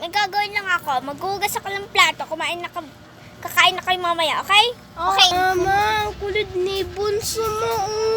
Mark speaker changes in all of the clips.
Speaker 1: may gagawin lang ako. Maghugas ako ng plato. Kakain na kayo mamaya, okay? Okay.
Speaker 2: Mama, ang kulit ni Bunso mo.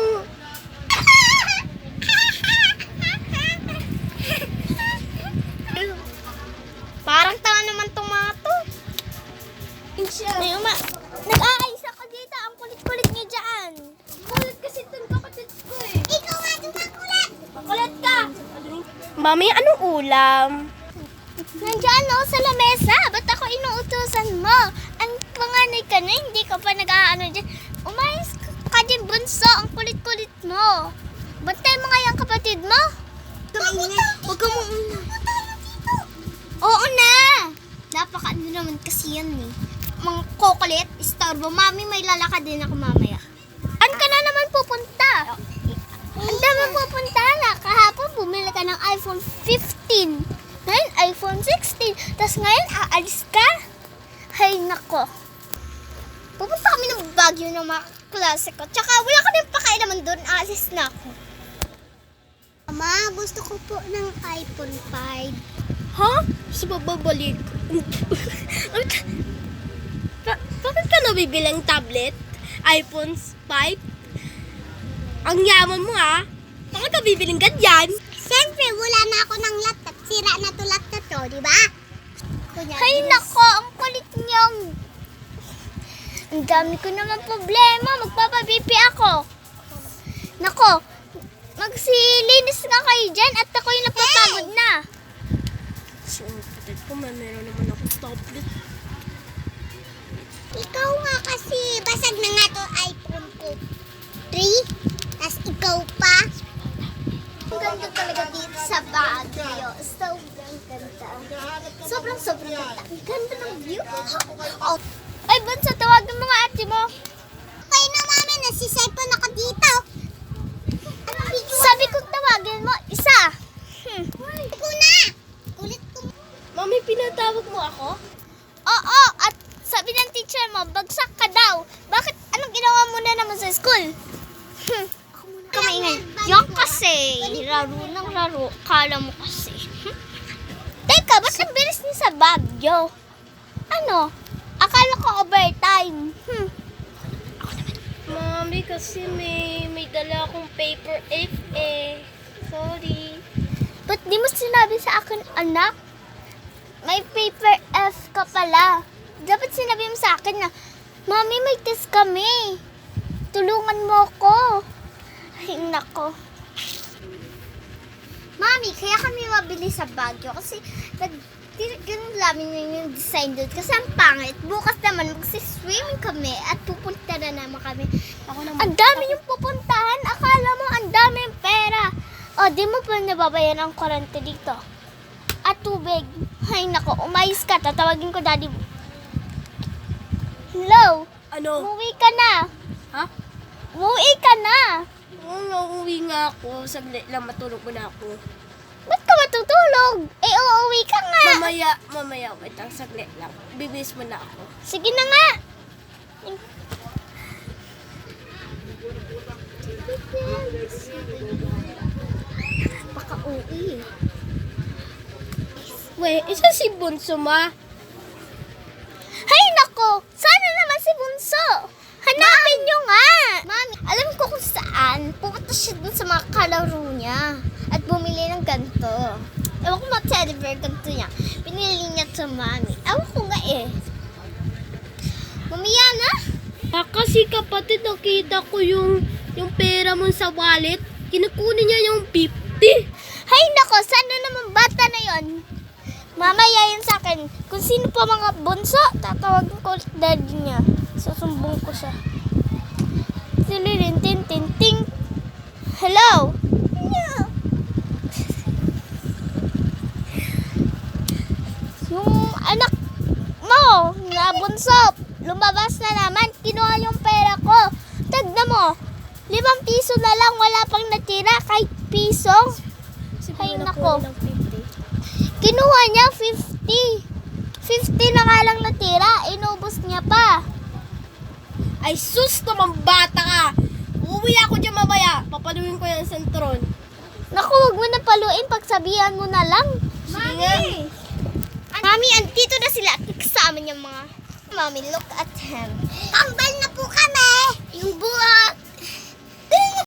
Speaker 1: Parang tanga naman tong mga to. May nag-aayos ako dito. Ang kulit-kulit niyo dyan.
Speaker 2: Kulit kasi itong kapatid ko eh.
Speaker 1: Ikaw nga dumakulit. Makulit ka.
Speaker 2: Mami, anong ulam?
Speaker 1: Nandiyan ako sa lamesa. Ba't ako inuutusan mo? Ang panganay ka na, hindi ka pa nag-aano dyan. Umayos ka din, Bunso. Ang kulit-kulit mo. Bantay mo nga yung kapatid mo. Huwag ka mo Oo na. Napaka-ano naman kasi yan eh. Mga kukulit, istorbo. Mami, may lalakad din ako mamaya. An ka na naman pupunta? Ang dami pupunta na. Kahapon bumili ka ng iPhone 15. Ngayon, iPhone 16. Tapos ngayon, aalis ka? Hay nako. Pupunta kami ng Baguio ng mga klase ko. Tsaka wala ka din pakailaman doon. Aalis na ako. Mama, gusto ko po ng iPhone 5.
Speaker 2: Ha? Gusto ba babalik? Bakit ka nabibili ng tablet? iPhone 5? Ang yaman mo ha? Bakit ka bibiling ganyan?
Speaker 1: Siyempre, wala na ako ng laptop. Sira na to laptop to, di ba? Hay nako, ang kulit niyong. Ang dami ko naman problema. Magpapabipi ako. Nako, magsilinis nga kayo dyan at ako yung napapagod na.
Speaker 2: So, kapatid ko, meron naman ako tablet.
Speaker 1: Ikaw nga kasi, basag na nga to iPhone ko 3. Tapos ikaw pa. Ang ganda talaga dito sa Baguio. Sobrang ganda. Sobrang ganda. Ang ganda ng view. Oh. Ay, Bunso, tawagan mo nga ate mo. Okay na, mami. Nasiselfon ako dito. Sabi kong tawagin mo, isa. Ikaw na. Kulit ko.
Speaker 2: Mami, pinatawag mo ako?
Speaker 1: Oo, at sabi ng teacher mo, bagsak ka daw. Bakit? Anong ginawa mo na naman sa school? Kamaingay. Yan kasi. Laro ng laro. Kala mo kasi. Teka, ba't ang bilis niya sa Baguio? Ano? Akala ko overtime.
Speaker 2: Mami, kasi may dala akong paper F eh. Sorry.
Speaker 1: Ba't di mo sinabi sa akin, anak? May paper F ka pala. Dapat sinabi mo sa akin na, Mami, may test kami. Tulungan mo ko. Ay, nako. Mami, kaya kami mabili sa Baguio kasi ganun namin yung design doon kasi ang pangit. Bukas naman magsiswimming kami at pupunta na naman kami. Ang dami yung pupuntahan. Akala mo ang dami yung pera. O, di mo pa nababayan ang kurente dito. At tubig. Ay, nako. Umayos ka. Tatawagin ko daddy mo. Hello?
Speaker 2: Ano?
Speaker 1: Umuwi ka na.
Speaker 2: Ha?
Speaker 1: Umuwi ka na.
Speaker 2: Oo, nauwi nga ako. Saglit lang, matulog muna ako.
Speaker 1: Ba't ka matutulog? Eh, uuwi ka nga.
Speaker 2: Mamaya, wait lang, saglit lang. Bibis mo na ako.
Speaker 1: Sige na nga. Baka uwi.
Speaker 2: Wait, isa si Bunso ma.
Speaker 1: Hay nako! Sana naman si Bunso! Hanapin nyo nga! Mami, alam ko kung saan. Pupunta siya dun sa mga kalaro niya. At bumili ng ganito. Ewan ko mga teddy bear ganito niya. Pinili niya sa mami. Ewan ko nga eh. Mamaya na?
Speaker 2: Kasi kapatid, nakita ko yung pera mo sa wallet. Kinukunin niya yung 50.
Speaker 1: Hay nako! Sana naman bata na yon. Mamaya yun sa akin. Kung sino pa mga bunso, tatawagin ko ulit daddy niya. Susumbong ko siya. Tin. Hello? Yung anak mo, na bunso, lumabas na naman. Kinuha yung pera ko. Tagna mo, 5 piso na lang. Wala pang natira kahit piso. Ay, nako. Kinuha niya 50. 50 na nga lang natira. Inubos niya pa.
Speaker 2: Ay sus naman bata ka. Uuwi ako dyan mamaya. Papaluin ko yung sentron.
Speaker 1: Naku, huwag mo na paluin. Pagsabihan mo na lang.
Speaker 2: Sige nga.
Speaker 1: Mami, andito na sila. Kasama niya mga... Mami, look at him. Kambal na po kami!